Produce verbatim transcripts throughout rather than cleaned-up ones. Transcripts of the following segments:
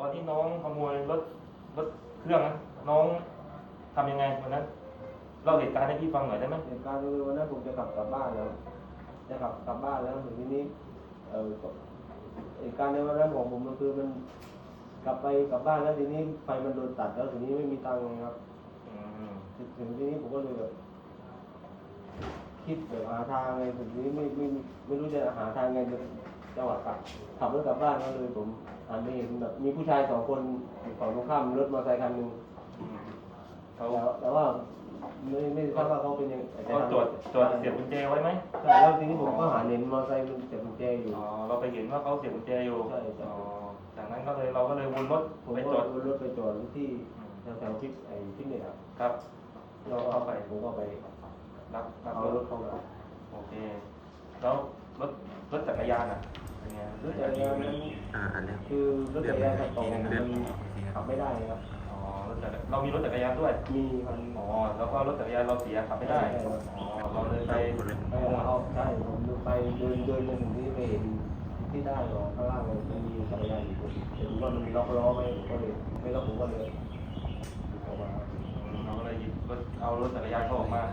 อนที่น้องขโมยรถรถเครื่องนะน้องทำยังไงวันนั้นเล่าเหตุการณ์ให้พี่ฟังหน่อยได้ไหมเหตุการณ์คือวันนั้นผมจะกลับกลับบ้านแล้วจะกลับกลับบ้านแล้วถึงทีนี้เอ่อเหตุการณ์ในวันนั้นของผมมันคือมันกลับไปกลับบ้านแล้วทีนี้ไฟมันโดนตัดแล้วทีนี้ไม่มีตังค์ครับถึงทีนี้ผมก็เลยแบบคิดแบบหาทางไงถึงทีนี้ไม่ไม่ไม่รู้จะหาทางไงจะจังหวะกลับขับรถกลับบ้านก็เลยผมหันไปเห็นแบบมีผู้ชายสองคนฝั่งตรงข้ามรถมอเตอร์ไซค์คันหนึ่งเขาแต่ว่าไม่ไม่ทราบว่าเขาเป็นยังเขาตรวจตรวจเสียบกุญแจไว้ไหมใช่แล้วทีนี้ผมก็หาเห็นมอเตอร์ไซค์มันเสียบกุญแจอยู่อ๋อเราไปเห็นว่าเขาเสียบกุญแจอยู่ใช่ใช่อ๋อจากนั้นก็เลยเราก็เลยวนรถไปจอดวนรถไปจอดที่แถวๆพิกไอ้พิกเนี่ยครับครับเราเข้าไปผมก็ไปรับรับเอารถเข้ามาโอเคแล้วรถรถจักรยานอ่ะเป็นไงรถจักรยานนั้นคือรถจักรยานขับต่อมันขับไม่ได้ครับอ๋อรถจักรเรามีรถจักรยานด้วยมีครับอ๋อแล้วก็รถจักรยานเราเสียขับไม่ได้อ๋อเราเลยไปไปเอาใช่ผมไปเดินเดินจนถึงที่ไปเห็นที่ได้หรอข้างล่างมันมีจักรยานอยู่เห็นว่ามันล็อกล้อไม่ก็เลยไม่ล็อกผมก็เลยออกมาเราก็เลยหยิบรถเอารถจักรยานเขาออกมา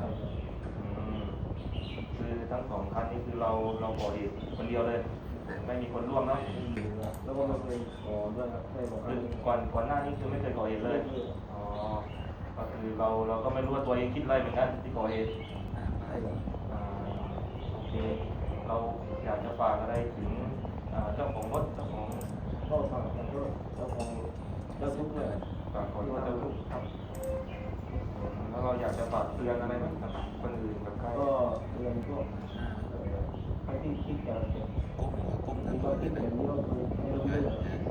คือทั้งสองคันนี้คือเราเราก่อเหตุคนเดียวเลยไม่มีคนร่วมเนาะแล้วก็ไม่เคยขอด้วยครับไม่บอกคือก่อนก่อนหน้านี้คือไม่เคยก่อเหตุเลยอ๋อก็คือเราเราก็ไม่รู้ว่าตัวเองคิดอะไรเหมือนกันที่ก่อเหตุใช่ครับโอเคเราอยากจะฝากอะไรถึงเจ้าของรถเจ้าของก็ฝากขอโทษเจ้าของเจ้าทุกข์เลยฝากขอโทษเจ้าทุกข์ครับแล้วเราอยากจะฝากเตือนอะไรไหมกับคนอื่นกับใครก็เตือนพวกใครที่คิดจะมีความคิดแบบนี้ก็คือให้รู้ด้วย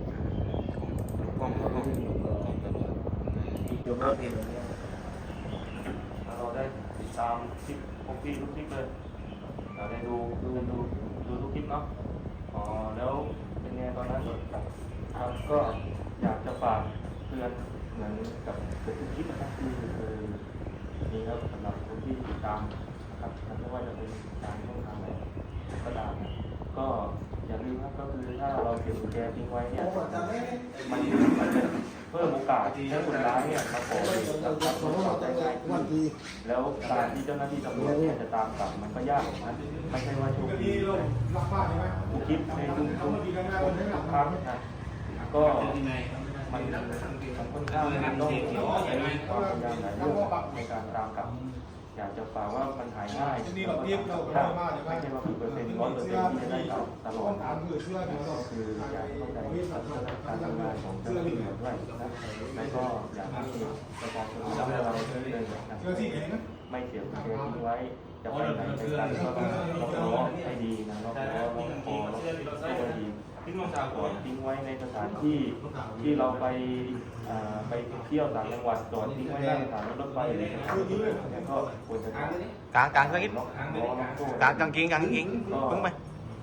อีกจบแล้วเพลงแบบนี้เราได้ติดตามคลิปพวกพี่ทุกคลิปเลยเราได้ดูดูดูดูทุกคลิปเนาะอ๋อแล้วเป็นไงตอนนั้นครับก็อยากจะฝากเตือนเหมือนกับทุกคลิปนะครับที่คือมีแล้วสำหรับคนที่ติดตามนะครับไม่ว่าจะเป็นการช่องทางไหนก็ตามนะก็อย่าลืมครับก็คือถ้าเราเก็บกุญแจทิ้งไว้เนี่ยมันมันจะเพิ่มโอกาสที่คนร้ายเนี่ยมาก่อเหตุกับรถเราได้ง่ายขึ้นแล้วการที่เจ้าหน้าที่ตำรวจเนี่ยจะตามจับมันก็ยากนะไม่ใช่ว่าโชคดีทุกคลิปในทุกทุกทุกครั้งนะก็มันมันค่อนข้างมันต้องใช้ความพยายามหลายเรื่องในการตามกลับอยากจะฝากว่ามันหายง่ายแล้วก็ยากไม่ใช่ว่ากี่เปอร์เซ็นต์ร้อยเปอร์เซ็นต์ที่จะได้กลับตลอดก็คืออยากเข้าใจการทำงานของเจ้าหน้าที่ตำรวจด้วยนะแล้วก็อยากให้ประชาชนรับเราเลยนะไม่เสียกุญแจทิ้งไว้จะไปไหนไปกันก็ต้องล็อกล้อให้ดีนะล็อกล้อล็อกคอล็อกให้ดีทิ้งลงจากก่อนทิ้งไว้ในสถานที่ที่เราไปไปเที่ยวต่างจังหวัดจอดทิ้งไว้ในสถานรถไฟอะไรอย่างเงี้ยก็ควรจะกลางกลางก็อิดกลางกลางกินกลางกินพึ่งไป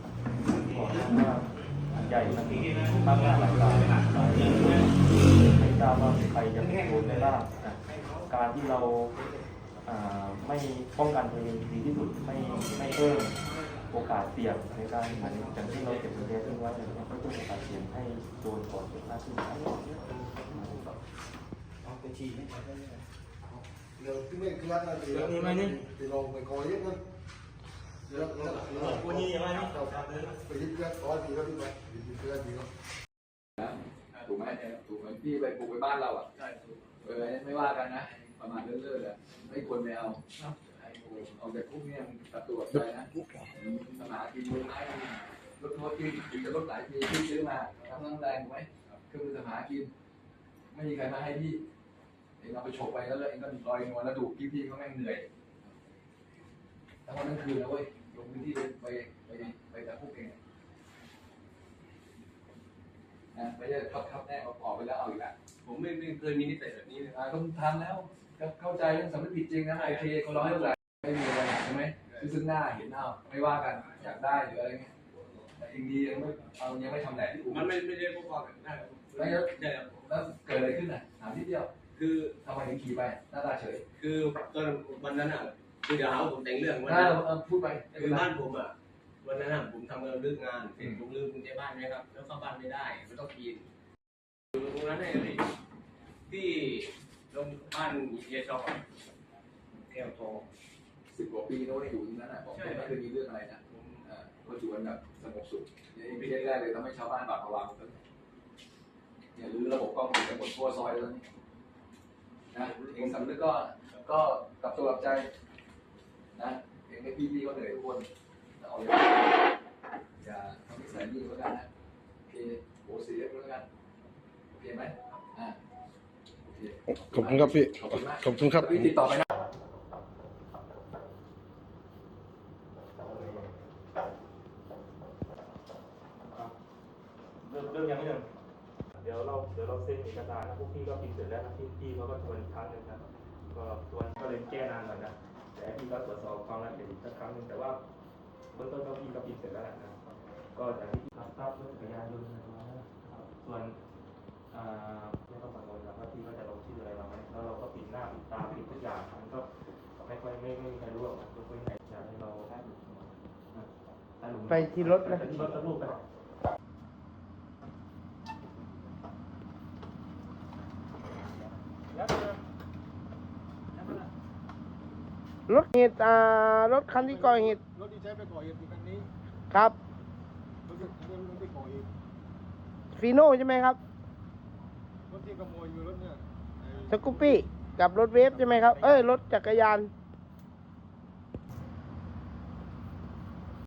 ใหญ่มันมากหน้าหลายตาไม่ทราบว่าใครจะเป็นคนได้บ้างการที่เราไม่ป้องกันตัวเองดีที่สุดไม่ไม่เพิ่มโอกาสเสี่ยงในการอย่างที่เราเก็บกุญแจทิ้งไว้เนี่ยก็ต้องโอกาสเสี่ยงให้โดนก่อเหตุมากขึ้นเดี๋ยวที่ไม่เคลื่อนนะเดี๋ยวนี่ไหมนี่เดี๋ยวลงไปคอยเยอะกันเดี๋ยวคนนี้ยังไงนี่ไปยึดเคลื่อนคอยดีก็ดีไหมยึดเคลื่อนดีก็ถูกไหมถูกไหมพี่ไปปลูกไปบ้านเราอ่ะเออไม่ว่ากันนะประมาณเรื่อยๆเลยไม่ควรไปเอาเอาแต่พวกนี้ตัดตัวไปนะสมากินมือไม้รถรถกินกินจะรถหลายปีที่ซื้อมาทำน้ำแรงถูกไหมเครื่องมือสมากินไม่มีใครมาให้พี่เองเอาไปโฉบไปแล้วเองก็ลอยนวลแล้วดูพี่ๆเขาแม่งเหนื่อยทั้งวันทั้งคืนนะเว้ยลงพื้นที่ไปไปไปแต่พวกเองนะไม่ใช่ทับทับแน่ออกไปแล้วเอาอีกแล้วผมไม่ไม่เคยมีนิสัยแบบนี้เลยอ่าต้องทำแล้วเข้าใจเรื่องสำนึกผิดจริงนะโอเคเขาร้องเรื่องอะไรไม่มีอะไรใช่ไหมซึ่งหน้าเห็นเอาไม่ว่ากันอยากได้หรืออะไรเงี้ยแต่จริงดียังไม่เอายังไม่ทำแหลกที่อู่มันไม่ไม่ได้พวกเราแบบนั้นแล้วแล้วเกิดอะไรขึ้นอ่ะถามนิดเดียวคือทำไมถึงขี่ไปหน้าตาเฉยคือตอนวันนั้นอ่ะคือเดี๋ยวเอาผมแต่งเรื่องวันนั้นพูดไปคือบ้านผมอ่ะวันนั้นอ่ะผมทำงานเลิกงานผมลืมกุญแจบ้านไหมครับแล้วเข้าบ้านไม่ได้ไม่ต้องกินนั้นเลยพี่ที่โรงบ้านเยชอบแก้วทองสิบกว่าปีโน้นอยู่ที่นั้นอ่ะผมไม่เคยมีเรื่องอะไรนะอ่าก็อยู่กันแบบสงบสุขนี่ไม่ใช่แรกเลยทำให้ชาวบ้านบาดระวังกันเนี่ยรื้อระบบกล้องติดหมดทั่วซอยแล้วนี่นะเองสำนึกก็ก็กลับตัวกลับใจนะเองให้พี่ๆก็เหนื่อยทุกคนเอาอย่าอย่าทำนิสัยยิ่งแล้วกันนะโอเคโหเสียแล้วกันโอเคไหมอ่าโอเคขอบคุณครับพี่ขอบคุณมากขอบคุณครับพี่ติดต่อไปนะเริ่มเริ่มยังไม่เริ่มเดี๋ยวเราเดี๋ยวเราเซ็นเอกสารนะพวกพี่ก็พิมพ์เสร็จแล้วนะพี่พี่เขาก็ทวนอีกครั้งหนึ่งนะก็ทวนก็เลยแก้นานหน่อยนะแต่พี่ก็ตรวจสอบความละเอียดอีกสักครั้งหนึ่งแต่ว่าเบื้องต้นก็พี่ก็พิมพ์เสร็จแล้วนะก็จากที่ทราบทราบรถจักรยานยนต์นะครับส่วนอ่าไม่ต้องกังวลนะว่าพี่ก็จะลงชื่ออะไรมาไหมแล้วเราก็ปิดหน้าปิดตาปิดทุกอย่างมันก็ไม่ค่อยไม่ไม่มีใครรู้หรอกนะทุกคนไหนอยากให้เราได้หลุมได้หลุมไปที่รถนะไปที่รถสักรูปกันรถเหตุอ่ารถคันที่ก่อเหตุรถที่ใช้ไปก่อเหตุคือคันนี้ครับรถที่รถที่ก่อเหตุฟีโน่ใช่ไหมครับรถที่ขโมยอยู่รถเนี่ยไอ้สกูปปี้กับรถเวฟใช่ไหมครับ เอ้ย รถจักรยานร